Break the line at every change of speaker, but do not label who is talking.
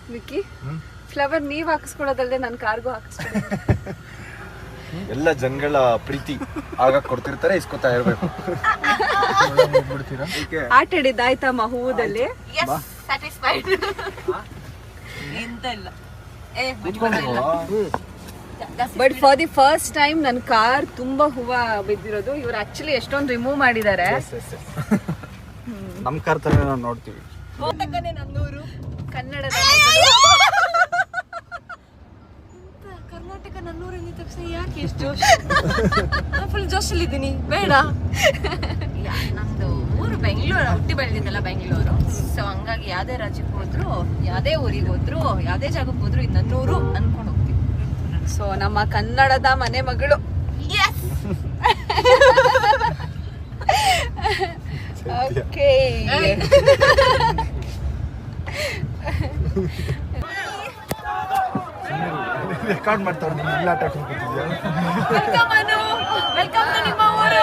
Vicky flower ನೀವ್ ಹಾಕಿಸ್ಕೊಳೋದಲ್ದೆ ನನ್ ಕಾರ್ಗೂ ಹಾಕಿಸ್ಕೊಳೋದು.
ಎಲ್ಲ ಜನಗಳ ಪ್ರೀತಿ ಆಗ ಕೊಡ್ತಿರ್ತಾರೆ, ಇಸ್ಕೊತಾ ಇರ್ಬೇಕು.
ಆಟ ಆಡಿದ್ದಾಯ್ತಮ್ಮ ಹೂವದಲ್ಲಿ.
ಎಂತ ಇಲ್ಲ.
But for the first time ನನ್ನ ಕಾರ್ ತುಂಬಾ ಹೂವ ಬಿದ್ದಿರೋದು. ಇವ್ರು ಆಕ್ಚುಲಿ ಎಷ್ಟೊಂದು ರಿಮೂವ್ ಮಾಡಿದ್ದಾರೆ.
ನಮ್ ಕಾರ್ ತರ ನಾವು ನೋಡ್ತೀವಿ.
ನನ್ನೂರು
ಕನ್ನಡದ
ಕರ್ನಾಟಕ ನನ್ನೂರು ಅಂದ ತಕ್ಷಣ ಯಾಕೆ ಎಷ್ಟು ಜೋಶ್? ಫುಲ್ ಜೋಶಲ್ಲಿ ಇದ್ದೀನಿ. ಬೇಡ, ನಮ್ದು ಊರು ಬೆಂಗಳೂರು, ಹುಟ್ಟಿ ಬೆಳೆದಿದ್ದಲ್ಲ ಬೆಂಗಳೂರು. ಸೊ ಹಂಗಾಗಿ ಯಾವ್ದೇ ರಾಜ್ಯಕ್ಕೆ ಹೋದ್ರು, ಯಾವ್ದೇ ಊರಿಗೆ ಹೋದ್ರು, ಯಾವ್ದೇ ಜಾಗಕ್ಕೆ ಹೋದ್ರು ಇದು ನನ್ನೂರು ಅನ್ಕೊಂಡು ಹೋಗ್ತೀವಿ.
ಸೊ ನಮ್ಮ ಕನ್ನಡದ ಮನೆ ಮಗಳು. ಓಕೆ,
ರೆಕಾರ್ಡ್ ಮಾಡ್ತಾವ್ರೆ. ನೀನು ಇಲ್ಲ ಆಟ ಆಡ್ಕೊಂಡು ಕೂತಿದ್ಯಾ?
ವೆಲ್ಕಮ್ ನಿಮ್ಮ ಊರು.